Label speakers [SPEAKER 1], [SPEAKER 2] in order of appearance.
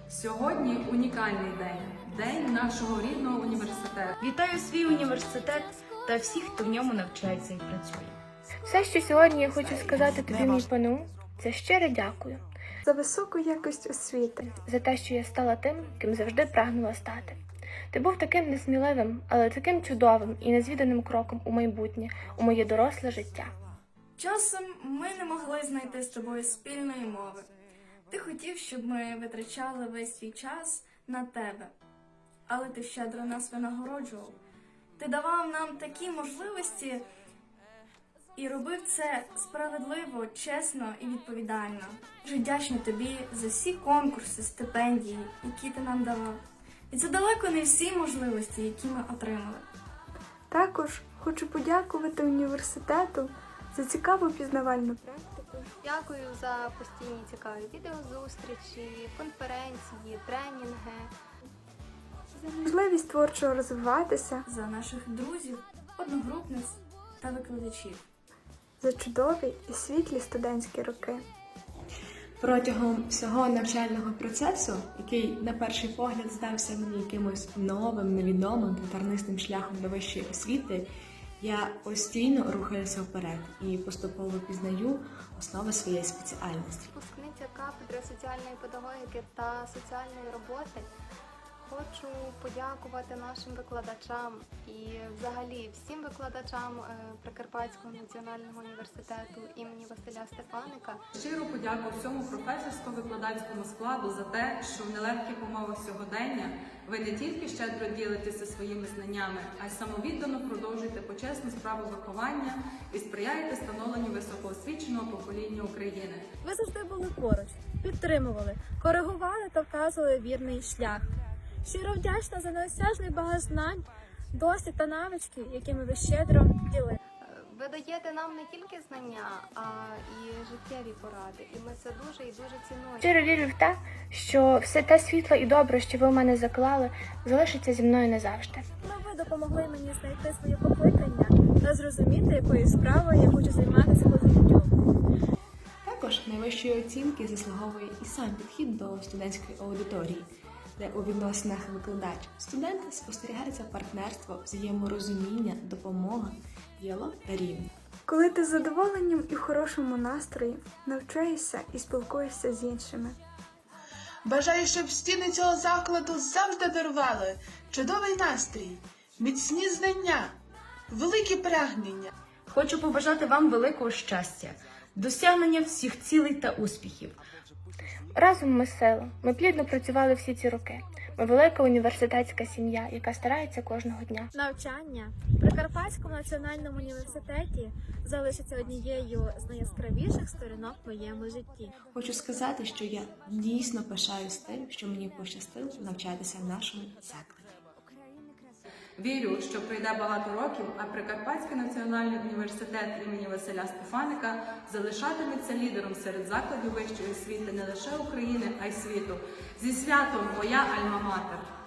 [SPEAKER 1] Сьогодні унікальний день – день нашого рідного університету.
[SPEAKER 2] Вітаю свій університет та всіх, хто в ньому навчається і працює.
[SPEAKER 3] Все, що сьогодні я хочу сказати тобі, мій ПНУ, це щире дякую.
[SPEAKER 4] За високу якість освіти.
[SPEAKER 3] За те, що я стала тим, ким завжди прагнула стати. Ти був таким несміливим, але таким чудовим і незвіданим кроком у майбутнє, у моє доросле життя.
[SPEAKER 5] Часом ми не могли знайти з тобою спільної мови. Ти хотів, щоб ми витрачали весь свій час на тебе. Але ти щедро нас винагороджував. Ти давав нам такі можливості і робив це справедливо, чесно і відповідально. Дуже вдячна тобі за всі конкурси, стипендії, які ти нам давав. І це далеко не всі можливості, які ми отримали.
[SPEAKER 4] Також хочу подякувати університету за цікаву пізнавальну практику.
[SPEAKER 6] Дякую за постійні цікаві відеозустрічі, конференції, тренінги.
[SPEAKER 4] За можливість творчо розвиватися,
[SPEAKER 5] За наших друзів, одногрупниць та викладачів.
[SPEAKER 4] за чудові і світлі студентські роки.
[SPEAKER 7] Протягом всього навчального процесу, який на перший погляд здався мені якимось новим, невідомим та тернистим шляхом до вищої освіти, я постійно рухаюся вперед і поступово пізнаю основи своєї спеціальності.
[SPEAKER 6] Випускниця кафедри соціальної педагогіки та соціальної роботи. Хочу подякувати нашим викладачам і взагалі всім викладачам Прикарпатського національного університету імені Василя Стефаника.
[SPEAKER 1] Щиру подяку всьому професорсько-викладацькому складу за те, що в нелегких умовах сьогодення ви не тільки щедро ділитеся своїми знаннями, а й самовіддано продовжуєте почесну справу виховання і сприяєте становленню високоосвіченого покоління України.
[SPEAKER 8] Ви завжди були поруч, підтримували, коригували та вказували вірний шлях. Щиро вдячна за неосяжний багаж знань, досвід та навички, якими ви щедро ділили.
[SPEAKER 6] Ви даєте нам не тільки знання, а і життєві поради. І ми це дуже і дуже цінуємо.
[SPEAKER 3] Щиро вірю в те, що все те світло і добре, що ви в мене заклали, залишиться зі мною назавжди.
[SPEAKER 8] Ви допомогли мені знайти своє покликання та зрозуміти, якою справою я хочу займатися по життю.
[SPEAKER 7] Також найвищої оцінки заслуговує і сам підхід до студентської аудиторії, де у відносинах викладач-студент спостерігається партнерство, взаєморозуміння, допомога, діалог та рівень.
[SPEAKER 4] Коли ти з задоволенням і в хорошому настрої навчаєшся і спілкуєшся з іншими.
[SPEAKER 9] Бажаю, щоб стіни цього закладу завжди дарували чудовий настрій, міцні знання, великі прагнення.
[SPEAKER 2] Хочу побажати вам великого щастя, досягнення всіх цілей та успіхів.
[SPEAKER 3] Разом ми сила. Ми плідно працювали всі ці роки. Ми велика університетська сім'я, яка старається кожного дня.
[SPEAKER 8] Навчання в Прикарпатському національному університеті залишиться однією з найяскравіших сторінок в моєму житті.
[SPEAKER 7] Хочу сказати, що я дійсно пишаюсь тим, що мені пощастило навчатися в нашому закладі.
[SPEAKER 1] Вірю, що пройде багато років, а Прикарпатський національний університет імені Василя Стефаника залишатиметься лідером серед закладів вищої освіти не лише України, а й світу. Зі святом, моя альма-матер!